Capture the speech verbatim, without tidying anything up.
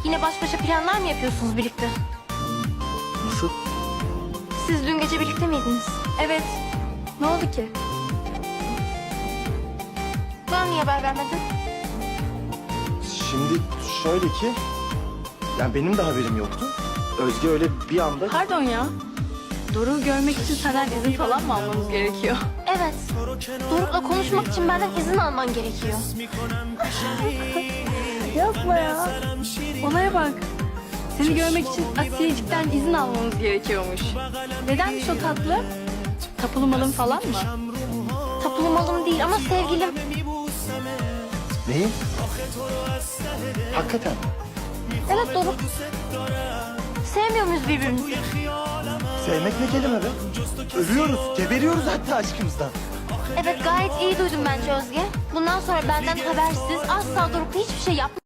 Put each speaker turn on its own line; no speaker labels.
Yine baş başa planlar mı yapıyorsunuz birlikte?
Nasıl?
Siz dün gece birlikte miydiniz?
Evet. Ne oldu ki?
Bana niye haber vermedin?
Şimdi şöyle ki... Yani benim de haberim yoktu. Özge öyle bir anda...
Pardon ya. Doruk'u görmek için senden izin falan mı almamız gerekiyor?
Evet. Doruk'la konuşmak için benden izin alman gerekiyor.
Yapma ya. Olaya bak. Seni görmek için Asiyecik'ten izin almamız gerekiyormuş. Nedenmiş o tatlı? Tapulu malın falan mı?
Tapulu malım değil ama sevgilim.
Neyi? Hakikaten.
Evet Doruk. Sevmiyor muyuz birbirimizi?
Sevmek ne kelime be? Ölüyoruz, geberiyoruz hatta aşkımızdan.
Evet gayet iyi duydum bence Özge. Bundan sonra benden habersiz asla Doruk'la hiçbir şey yapma.